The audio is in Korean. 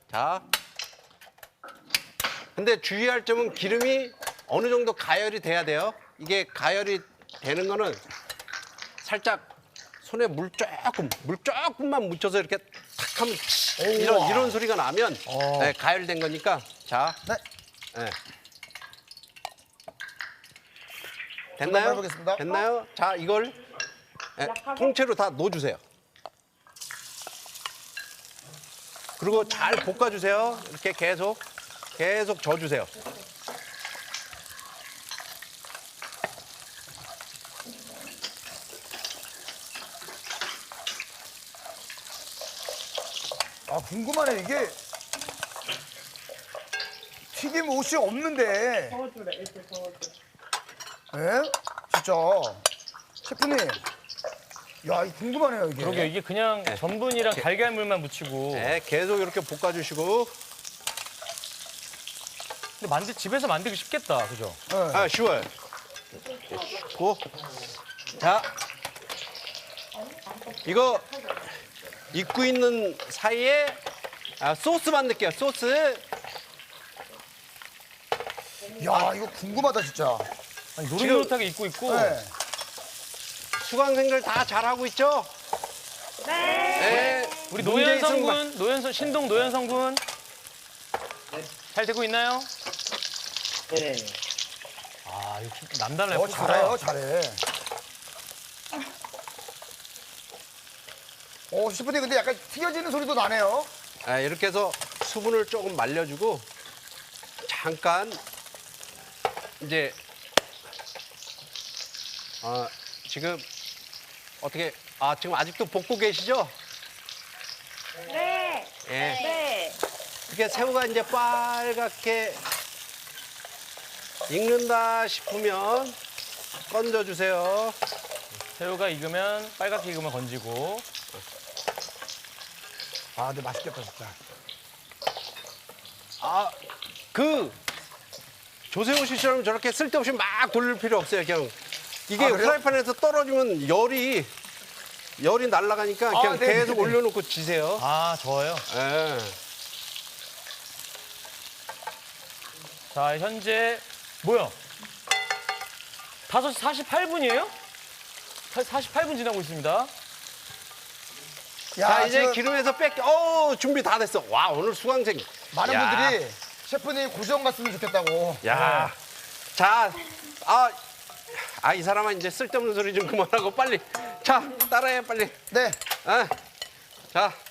자. 근데 주의할 점은 기름이 어느 정도 가열이 돼야 돼요. 이게 가열이 되는 거는 살짝 손에 물 조금만 묻혀서 이렇게 탁 하면 이런 소리가 나면 네, 가열된 거니까. 자. 네. 네. 한번 됐나요? 해보겠습니다. 됐나요? 자, 이걸 네, 통째로 다 넣어주세요. 그리고 잘 볶아주세요. 이렇게 계속 저어주세요. 아, 궁금하네. 이게 튀김 옷이 없는데. 저어주래, 이렇게 저어줘. 예? 진짜. 셰프님. 야, 이거 궁금하네요, 이게. 그러게 이게 그냥 전분이랑 달걀물만 묻히고. 네, 계속 이렇게 볶아주시고. 근데 집에서 만들기 쉽겠다, 그죠? 예. 아, 쉬워요. 쉽고. 자, 이거 익고 있는 사이에 소스 만들게요. 소스. 야, 이거 궁금하다, 진짜. 아니, 노릇노릇하게 익고 있고. 네. 수강생들 다 잘하고 있죠? 네. 우리 문제 있으면 신동 노현성 군. 잘 되고 있나요? 네. 아, 이거 남달라요. 잘해요, 잘해. 셰프님, 근데 약간 튀겨지는 소리도 나네요. 이렇게 해서 수분을 조금 말려주고 잠깐 이제 지금 어떻게 지금 아직도 볶고 계시죠? 네. 예. 네. 이렇게 새우가 이제 빨갛게 익는다 싶으면 건져주세요. 새우가 익으면 빨갛게 익으면 건지고. 아, 근데 맛있겠다, 진짜. 조세호 씨처럼 저렇게 쓸데없이 막 돌릴 필요 없어요. 그냥 이게 그래요? 프라이팬에서 떨어지면 열이 날아가니까 그냥 네, 계속 네, 네. 올려놓고 지세요. 아, 저어요? 예. 자, 현재 뭐야? 5시 48분이에요? 48분 지나고 있습니다. 야, 자, 이제 지금 기름에서 준비 다 됐어. 와, 오늘 수강생. 많은 야. 분들이 셰프님 고정 갔으면 좋겠다고. 야. 자, 이 사람은 이제 쓸데없는 소리 좀 그만하고 빨리. 자, 따라해, 빨리. 네. 자,